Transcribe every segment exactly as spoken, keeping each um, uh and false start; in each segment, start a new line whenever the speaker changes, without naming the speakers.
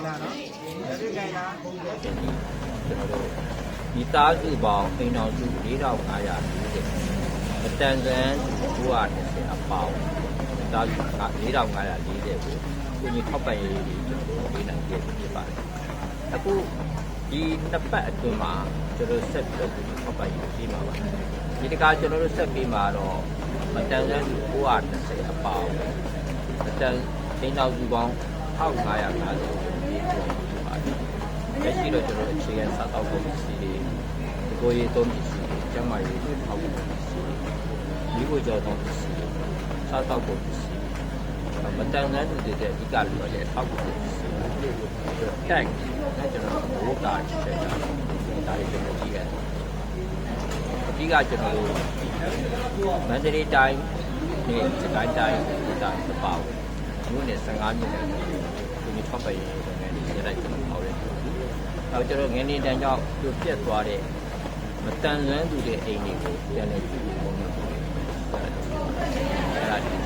လားနော်လက်ပြခိုင်လား
ကျွန်တော်တို့ဒီသားစုပေါင်းအိမ်တော်စု၄ထောင်၅ရာ၄၀အတန်စံ၉ရာ၂၀အပေါင်းသားစု၄ထောင်၅ရာ၄၀ကိုကိုကြီးထောက်ပံ့ရေးတွေကျွန်တော်တို့ပေးနိုင်ပြဖြစ်ပါတယ်အခုဒီနှစ်ပတ်အတွင်းမှာကျွန်တော်ဆက်ပြီးတော့ကိုကြီးထောက်ပံ့ရေးပေးမှာပါဒီတခါကျွန်တော်တို့ဆက်ပေးမှာတော့အတန်စံ၉ရာ၂၀အပေါင်းအတန်အိမ်တော်စုပေါင်း၁၅၅၀ကိုပေးပို့ဖြစ်ပါတယ်လက်ရှိတော့ကျွန်တော်အခြေခံစာတောက်ဖို့ရှိတယ်ဒီကိုရေးသုံးပစ္စည်းကျန်းမာရေးထောက်ဖို့ပစ္စည်းဒီကိုကြောက်သုံးပစ္စည်းစာတောက်ဖို့ပစ္စည်းမတန်တဲ့သူတွေတဲ့အဓိကလိုရတဲ့ထောက်ဖို့ပစ္စည်းကဲအဲကျွန်တော်ဘိုးတာချက်တာဒါတွေကျွန်တော်ကြည့်ရတယ်အဓိကကျွန်တော်တို့မန္တလေးတိုင်းနဲ့စကိုင်းတိုင်းဒေသတပောက်မြို့နယ်၁၅မြို့နယ်ကိုဒီထောက်ပံ့ရေးလုပ်ငန်းတွေရလိုက်ကျွန်တော်ဟောတယ်နောက်ကျွန်တော်ငင်းနေတန်းကြောင့်ပြတ်ပြတ်သွားတဲ့မတန်လွမ်းသူတဲ့အိမ်တွေကိုပြန်လည်ကြည့်ဖို့ပုံမှန်အဲ့ဒါဒီ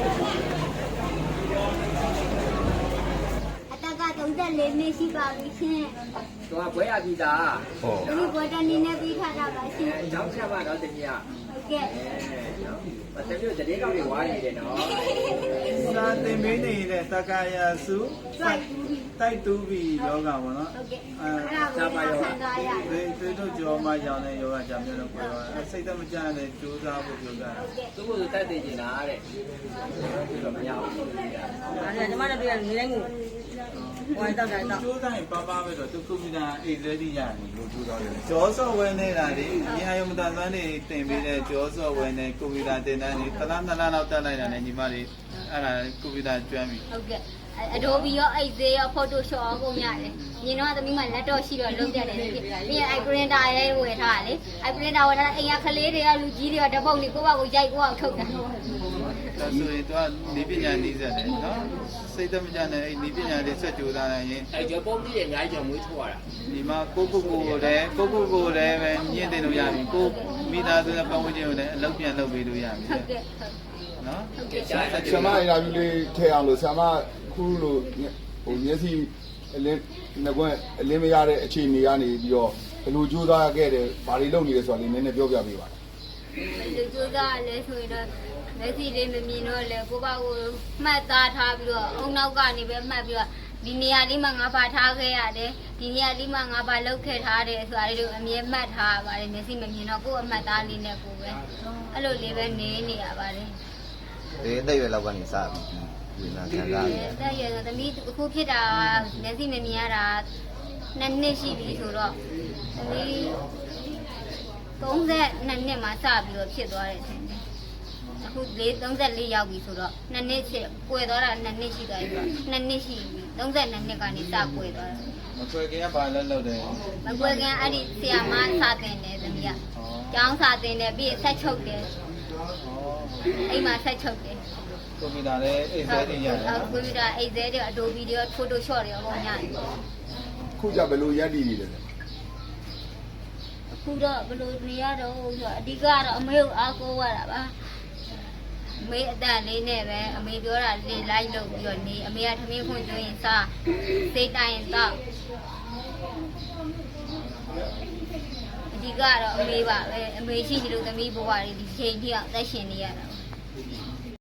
အတက်ကသုံး၄နှစ်ရှိပါပြီရှင်
။တော့ဘွဲရပြီသား
။ဟုတ်
။ဒီဘွဲတနေနဲ့ပြီးထားတာပါရှင်
။အဲရောက်ချက်ပါတော့တမီးက
။ဟုတ်ကဲ့
။အဲနော်။တမီးတို့တရေကောက်တွေဝါနေတယ်နော်
။စာသင်ပေးနေတဲ့တက္ကရာစု
တိုက်တူပြီ
တိုက်တူပြီယောဂပေါ့နော်
။ဟုတ်ကဲ့။အဲဒါကိုဆန်ကားရ
။ဒီဒီတို့ကြောမှရောင်းတဲ့ယောဂကြောင့်မျိုးတော့ပြောတော့စိတ်သက်မကြတဲ့ကြိုးစားဖို့ပြောတာ
။သူ့ကိုတိုက်သိနေတာတဲ့။ဒီတော့မရဘူး
။အဲ့ဒါညီမတို့ပြည်နေတိုင်းကိုဟိုတောက်တိုင်းတောက်
ကြိုးစားရင်ပါပါပဲတော့သူကွန်ပျူတာအိတ်လဲတိရတယ်လို့ကြိုးစားရတယ်ကျော်စော့ဝဲနေတာလေညီအယုံမတန်သွမ်းနေတင်ပေးတဲ့ကျော်စော့ဝဲနေကွန်ပျူတာတင်တန်းနေတစ်လားနှစ်လားလောက်တက်လိုက်တာနဲ့ညီမလေးအဲ့ဒါကွန်ပျူတာကျွမ်းပြီ
ဟုတ်ကဲ့Adobe ရော Excel ရော Photoshop ရောကုန်ရတယ်။ညီတော့သမီးမလက်တော့ရှိတော့လုံးပြတယ်ဖြစ်။ပြီးရင်အဲ printer ရဲဝယ်ထားတာလေ။အဲ printer ဝယ်ထားအိမ်ကကလေးတွေကလူကြီးတွေကဓာတ်ပုံလေးကိုယ့်ဘာကိုရိုက်ကိုယ့်အောင်ထုတ်တာ
။ဒါဆိုရင်တော့နေပညာနည်းစက်တယ်နော်။စိတ်သက်မကြတဲ့အဲ့ဒီပညာလေးဆက်ကြိုးစားနိုင်ရင်
အဲကြောပုံကြီးရဲ့အများကြီးကြောင့်မွေးထုတ်ရတာ
။ဒီမှာကိုကိုကိုကိုလည်းကိုကိုကိုလည်းပဲညှင့်တင်လို့ရပြီ။ကိုမိသားစုနဲ့ပတ်ဝန်းကျင်ကိုလည်းအလုပ်ပြန်လုပ်ပေးလို့ရပြီ
။ဟုတ်ကဲ့
။နော်
။ဟုတ်ကဲ့
ဆရာမအရာကြီးလေးထည့်အောင်လို့ဆရာမခုလိုဟိုမျက်စိအလင်းငကွန်းအလင်းမရတဲ့အခြေအနေကနေပြီးတော့ဘယ်လိုကြိုးစားခဲ့တယ်ဘာတွေလုပ်နေလဲဆိုတာလေးနည်းနည်းပြောပြပေးပါ
လူကြိုးစားလဲဆိုရင်တော့မျက်စိလေးမမြင်တော့လဲကိုယ့်ဘာကိုမှတ်သားထားပြီးတော့အုံနောက်ကနေပဲမှတ်ပြီးတော့ဒီနေရာလေးမှာငါဘာထားခဲ့ရတယ်ဒီနေရာလေးမှာငါဘာလုပ်ခဲ့ထားတယ်ဆိုတာလေးတို့အမြဲမှတ်ထားပါတယ်မျက်စိမမြင်တော့ကိုယ့်အမှတ်သားလေးနဲ့ကိုယ်ပဲအဲ့လိုလေးပဲနေနေရပါတယ်
ဒီအသက်ရွယ်လောက်ကနေစပြီးဒီနာခံစားရတယ်
။တဲ့ရတော့သမီးအခုဖြစ်တာမျက်စိမမြင်ရတာနှစ်နှစ်ရှိပြီဆိုတော့သမီးသုံးနှစ်မှာစပြီးတော့ဖြစ်သွားတယ်ထင်တယ်။အခု၄၃၄ရောက်ပြီဆိုတော့နှစ်နှစ်ဖြစ်ကွယ်သွားတာနှစ်နှစ်ရှိသွားပြီဆိုတော့နှစ်နှစ်ရှိပြီ၃၂နှစ်ကနေစကွယ်သွားတယ်
။မကွယ်ခင်ကဘာလဲလုပ်တယ်
။မကွယ်ခင်အဲ့ဒီဆရာမစာတင်တယ်သမီးက။ကျောင်းစာတင်တယ်ပြီးဆက်ချုပ်တယ်။အိမ်မှာဆက်ချုပ်တယ်
ကွန်ပျူတာလည်းအိတ်သေးတွေရတယ်နော်
ကွန်ပျူတာအိတ်သေးတွေ Adobe တွေ Photoshop တွေဟောရတယ်
ခုကြဘယ်လိုရက်တည်နေလဲ
အခုတော့ဘယ်လိုနေရတော့ဆိုအဓိကတော့အမေကိုအားကိုးရတာပါအမေအတန်လေးနဲ့ပဲအမေပြောတာလေလိုက်လုပ်ပြီးတော့နေအမေကထမင်းခွန်ကျွရင်စားစိတ်တိုင်းတော့အဓိကတော့အမေပါပဲအမေရှိတယ်လို့သမီးဘဝတွေဒီချိန်ထိအောင်သက်ရှင်နေရတာ